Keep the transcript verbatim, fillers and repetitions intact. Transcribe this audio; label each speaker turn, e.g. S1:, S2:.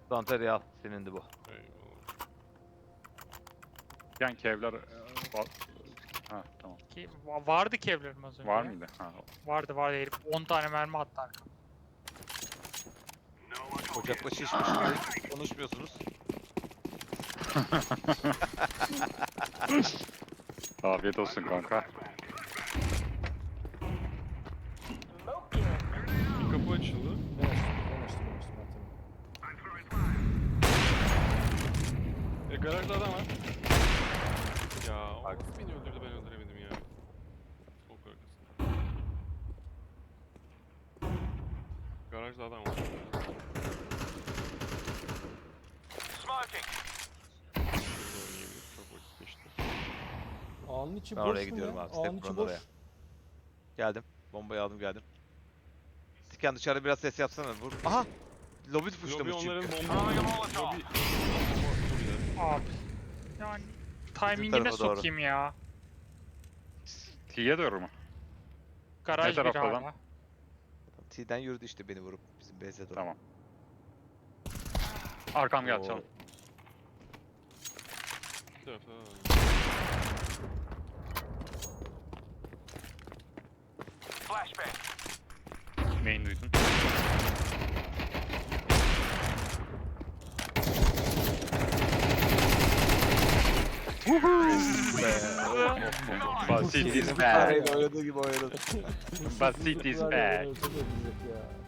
S1: Danteriyi al. Senindi bu.
S2: Eyvallah.
S3: Yani kevler... e, var- Ha tamam.
S4: Ki va- vardı ki evlerim az önce
S3: Var
S4: ya.
S3: mıydı? Ha.
S4: Vardı vardı herif on tane mermi attı arkama.
S1: Ocakla şişmiş gibi konuşmuyorsunuz.
S3: Afiyet olsun kanka.
S2: Bir kapı açıldı.
S5: Ben açtım, ben açtım, ben açtım. Ben tamam.
S2: E garajda adam var. Ya o nasıl beni öldürdü, ben öldüremedim ya. Çok arkasında. Garajda adam var. Şurada oynayabilir, çok vakit geçti.
S5: Ağanın içi
S1: Ben
S5: boş
S1: oraya
S5: mu
S1: gidiyorum
S5: ya?
S1: abi.
S5: Ağanın
S1: Step
S5: içi
S1: Brown
S5: boş.
S1: oraya. Geldim. Bombayı aldım geldim. Tiken dışarıda biraz ses yapsana. Vur. Aha! Lobi
S2: Lobi
S1: tuşlamış
S2: onların
S1: çünkü.
S2: bomba... Lobi...
S4: Abi. Yani
S1: tarafa
S4: timing'ine
S1: doğru.
S4: sokayım ya.
S3: T'ye doğru mu?
S4: Garaj bir
S3: tarafta
S4: hala.
S3: lan?
S1: T'den yürüdü işte beni vurup bizim base'e doğru.
S3: Tamam. Arkam geldi
S1: Oo.
S3: canım.
S2: Bir tarafta da var.
S3: Main duydun. Basit is
S1: Kedinin
S3: bad.
S1: fareyle oynadığı gibi oynadım.
S3: Basit is bad.
S5: Çok öldürecek ya.